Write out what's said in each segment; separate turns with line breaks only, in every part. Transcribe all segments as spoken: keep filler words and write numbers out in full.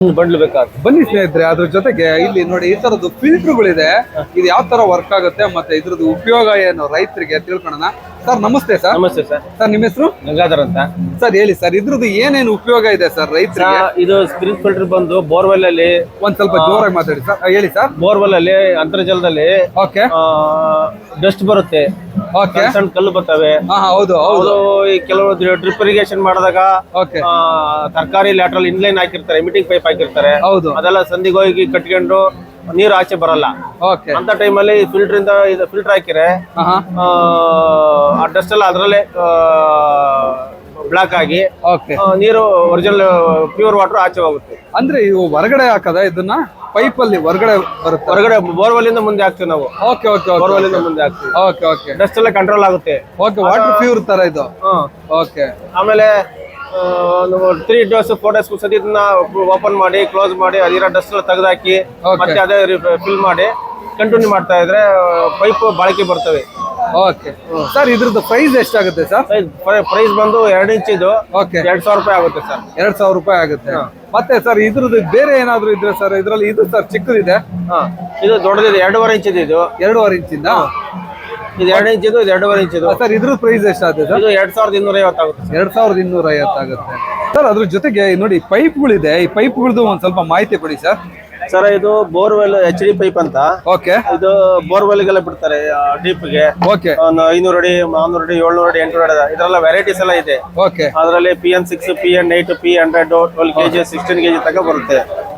ಬಂಡ್ಲು ಬೇಕಾಗುತ್ತೆ.
ಬನ್ನಿ ಸ್ನೇಹಿತರೆ, ಅದ್ರ ಜೊತೆಗೆ ಇಲ್ಲಿ ನೋಡಿ ಈ ತರದ್ದು ಫಿಲ್ಟರ್ಗಳಿದೆ. ಇದು ಯಾವ ತರ ವರ್ಕ್ ಆಗುತ್ತೆ ಮತ್ತೆ ಇದ್ರದ್ದು ಉಪಯೋಗ ಏನು ರೈತರಿಗೆ ತಿಳ್ಕೊಳ್ಳೋಣ. ಸರ್ ನಮಸ್ತೆ ಸರ್.
ನಮಸ್ತೆ ಸರ್.
ಸರ್ ನಿಮ್ಮ ಹೆಸರು?
ಗಂಗಾಧರ್ ಅಂತ.
ಸರ್ ಹೇಳಿ ಸರ್, ಇದ್ರದ್ದು ಏನೇನು ಉಪಯೋಗ ಇದೆ ಸರ್ ರೈತರಿಗೆ?
ಇದು ಸ್ಪ್ರಿಂಗ್ ಫಿಲ್ಟರ್ ಬಂದು ಬೋರ್ವೆಲ್ ಅಲ್ಲಿ
ಒಂದ್ ಸ್ವಲ್ಪ ಜೋರಾಗಿ ಮಾತಾಡಿ ಸರ್. ಹೇಳಿ ಸರ್.
ಬೋರ್ವೆಲ್ ಅಲ್ಲಿ ಅಂತರ್ಜಲದಲ್ಲಿ
ಓಕೆ
ಡಸ್ಟ್ ಬರುತ್ತೆ,
ಓಕೆ
ಸಣ್ಣ ಕಲ್ಲು ಬರ್ತವೆ.
ಹಾ ಹೌದು ಹೌದು.
ಈ ಕೆಲವು ಡ್ರಿಪ್ ಇರಿಗೇಷನ್ ಮಾಡಿದಾಗ
ಓಕೆ
ತರಕಾರಿ ಲ್ಯಾಟ್ರಲ್ ಇನ್ಲೈನ್ ಹಾಕಿರ್ತಾರೆ, ಎಮಿಟಿಂಗ್ ಪೈಪ್ ಹಾಕಿರ್ತಾರೆ.
ಹೌದು.
ಅದೆಲ್ಲ ಸಂದಿಗೆ ಹೋಗಿ ಕಟ್ಕೊಂಡು ನೀರು ಆಚೆ ಬರಲ್ಲ.
ಓಕೆ
ಅಂತ ಟೈಮಲ್ಲಿ ಫಿಲ್ಟರ್ ಇಂದ ಇದು ಫಿಲ್ಟರ್ ಹಾಕಿರೆ
ಹಾ
ಆ ಡಸ್ಟ್ ಎಲ್ಲ ಅದರಲ್ಲೇ ಬ್ಲಾಕ್ ಆಗಿ
ಓಕೆ
ನೀರು ಒರಿಜಿನಲ್ ಪ್ಯೂರ್ ವಾಟರ್ ಆಚೆ ಹೋಗುತ್ತೆ.
ಅಂದ್ರೆ ಇವು ಹೊರಗಡೆ ಹಾಕದ ಇದನ್ನ ಪೈಪ್ ಅಲ್ಲಿ ಹೊರಗಡೆ ಬರುತ್ತೆ?
ಹೊರಗಡೆ ಬೋರ್ವೆಲ್ ಇಂದ ಮುಂದೆ ಹಾಕ್ತಿವಿ ನಾವು.
ಓಕೆ ಓಕೆ
ಬೋರ್ವೆಲ್ ಇಂದ ಮುಂದೆ ಹಾಕ್ತಿವಿ.
ಓಕೆ ಓಕೆ
ಡಸ್ಟ್ ಎಲ್ಲ ಕಂಟ್ರೋಲ್ ಆಗುತ್ತೆ.
ಓಕೆ ವಾಟರ್ ಪ್ಯೂರ್ ತರ ಇದು. ಓಕೆ
ಆಮೇಲೆ ಒಂದು ತ್ರೀ ಡೇಸ್ ಫೋರ್ ಡೇಸ್ ಸತಿ ಇದನ್ನ ಓಪನ್ ಮಾಡಿ ಕ್ಲೋಸ್ ಮಾಡಿ ಅದಿರೋ ಡಸ್ಟ್ ಎಲ್ಲ ತೆಗೆದಾಕಿ ಮತ್ತೆ ಅದೇ ಫಿಲ್ ಮಾಡಿ ಕಂಟಿನ್ಯೂ ಮಾಡ್ತಾ ಇದ್ರೆ ಪೈಪ್ ಬಾಳಿಕೆ ಬರ್ತವೆ.
ಓಕೆ ಸರ್, ಇದ್ರದ್ದು ಪ್ರೈಸ್ ಎಷ್ಟಾಗುತ್ತೆ ಸರ್?
ಪ್ರೈಸ್ ಬಂದು ಎರಡು ಇಂಚ್ ಇದು
ಓಕೆ
ಎರಡ್ ಸಾವಿರ ರೂಪಾಯಿ ಆಗುತ್ತೆ ಸರ್.
ಎರಡ್ ಸಾವಿರ ರೂಪಾಯಿ ಆಗುತ್ತೆ. ಮತ್ತೆ ಸರ್ ಇದ್ರದ್ದು ಬೇರೆ ಏನಾದ್ರು ಇದ್ರೆ ಸರ್ ಇದ್ರಲ್ಲಿ? ಇದು ಸರ್ ಚಿಕ್ಕದಿದೆ,
ಹಾ ಇದು ದೊಡ್ಡದಿದೆ, ಎರಡೂವರೆ ಇಂಚ್ ಇದೆ. ಇದು
ಎರಡೂವರೆ ಇಂಚಿಂದ
ಇದು ಎರಡು ಇಂಚ್ ಇದು ಎರಡೂವರೆ ಇಂಚ್ ಇದು
ಸರ್. ಇದ್ರ ಪ್ರೈಸ್ ಎಷ್ಟಾಗುತ್ತೆ ಸರ್?
ಇದು ಎರಡ್ ಸಾವಿರದ ಇನ್ನೂರ ಐವತ್ತು ಆಗುತ್ತೆ.
ಎರಡ್ ಸಾವಿರದ ಇನ್ನೂರ ಐವತ್ತಾಗುತ್ತೆ ಸರ್. ಅದ್ರ ಜೊತೆಗೆ ನೋಡಿ ಪೈಪ್ಗಳಿದೆ, ಈ ಪೈಪ್ಗಳದ್ದು ಒಂದ್ ಸ್ವಲ್ಪ ಮಾಹಿತಿ ಕೊಡಿ ಸರ್.
ಸರ್ ಇದು ಬೋರ್ವೆಲ್ ಎಚ್ ಡಿ ಪೈಪ್ ಅಂತ.
ಓಕೆ
ಇದು ಬೋರ್ವೆಲ್ ಗೆಲ್ಲ ಬಿಡ್ತಾರೆ ಡೀಪ್ ಗೆ.
ಓಕೆ
ಒಂದು ಐನೂರು ಅಡಿ, ನಾನ್ನೂರು ಅಡಿ, ಏಳ್ನೂರು ಅಡಿ, ಎಂಟುನೂರು ಅಡಿ, ಇದರೆಲ್ಲ ವೆರೈಟೀಸ್ ಎಲ್ಲ ಇದೆ.
ಓಕೆ
ಅದರಲ್ಲಿ P N six, P N eight, P hundred, twelve KG, sixteen KG ತನಕ ಬರುತ್ತೆ.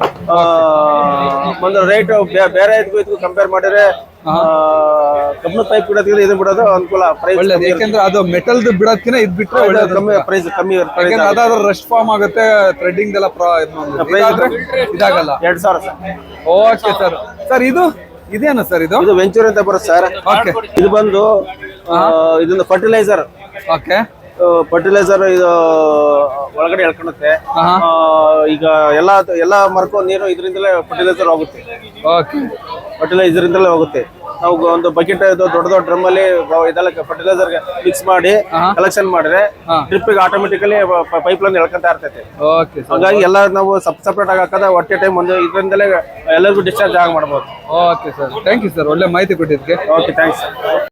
ಒಂದು ರೇಟ್ ಬೇರೆ ಇದಕ್ಕೂ ಇದಕ್ಕೂ ಕಂಪೇರ್ ಮಾಡಿದ್ರೆ ಕಬ್ಬಣ ಪೈಪ್ ಬಿಡೋದಕ್ಕೆ ಇದು ಬಿಡೋದು ಅನುಕೂಲ. ಪ್ರೈಸ್
ಒಳ್ಳೇದು, ಯಾಕೆಂದ್ರೆ ಅದು ಮೆಟಲ್ ಬಿಡೋದಕ್ಕಿಂತ ಇದ್ ಬಿಟ್ರೆ
ಕಮ್ಮಿ ಪ್ರೈಸ್ ಕಮ್ಮಿ ಇರುತ್ತೆ.
ಅದಾದ್ರೆ ರಸ್ಟ್ ಫಾರ್ಮ್ ಆಗುತ್ತೆ, ಥ್ರೆಡ್ಡಿಂಗ್ ಎಲ್ಲ ಇದಾಗಲ್ಲ.
ಎರಡ್ ಸಾವಿರ ಸರ್.
Okay sir. ಸರ್ ಇದು ಇದೇನು ಸರ್? ಇದು
ಇದು ವೆಂಚೂರ್ ಅಂತ ಬರುತ್ತೆ ಸರ್.
ಓಕೆ
ಇದು ಬಂದು ಇದೊಂದು ಫರ್ಟಿಲೈಸರ್.
ಓಕೆ
ಫರ್ಟಿಲೈಸರ್ ಇದು ಒಳಗಡೆ ಎಳ್ಕೊಳುತ್ತೆ. ಈಗ ಎಲ್ಲಾ ಎಲ್ಲಾ ಮರಕ್ಕೂ ನೀರು ಇದರಿಂದಲೇ ಫರ್ಟಿಲೈಸರ್ ಹೋಗುತ್ತೆ.
ಓಕೆ
ಫರ್ಟಿಲೈಸರ್ ಇಂದಲೇ ಹೋಗುತ್ತೆ. ನಾವು ಒಂದು ಬಕೆಟ್ ಇದು ದೊಡ್ಡ ದೊಡ್ಡ ಡ್ರಮ್ ಅಲ್ಲಿ ಇದೆಲ್ಲ ಫರ್ಟಿಲೈಸರ್ ಮಿಕ್ಸ್ ಮಾಡಿ ಕಲೆಕ್ಷನ್ ಮಾಡಿದ್ರೆ ಡ್ರಿಪ್ ಗೆ ಆಟೋಮೆಟಿಕಲಿ ಪೈಪ್ ಲೈನ್ ಎಳ್ಕೊಂತ ಇರ್ತೈತೆ. ಹಾಗಾಗಿ ಎಲ್ಲ ನಾವು ಸಪ್ ಸಪ್ರೇಟ್ ಆಗಿ ಹಾಕದ ಒಟ್ಟೆ ಟೈಮ್ ಒಂದು ಇದರಿಂದಲೇ ಎಲ್ಲರಿಗೂ ಡಿಸ್ಚಾರ್ಜ್ ಆಗಿ ಮಾಡ್ಬೋದು.
Okay sir, thank you sir, ಒಳ್ಳೆ ಮಾಹಿತಿ ಕೊಟ್ಟಿದ್ದಕ್ಕೆ.
Okay, thanks sir.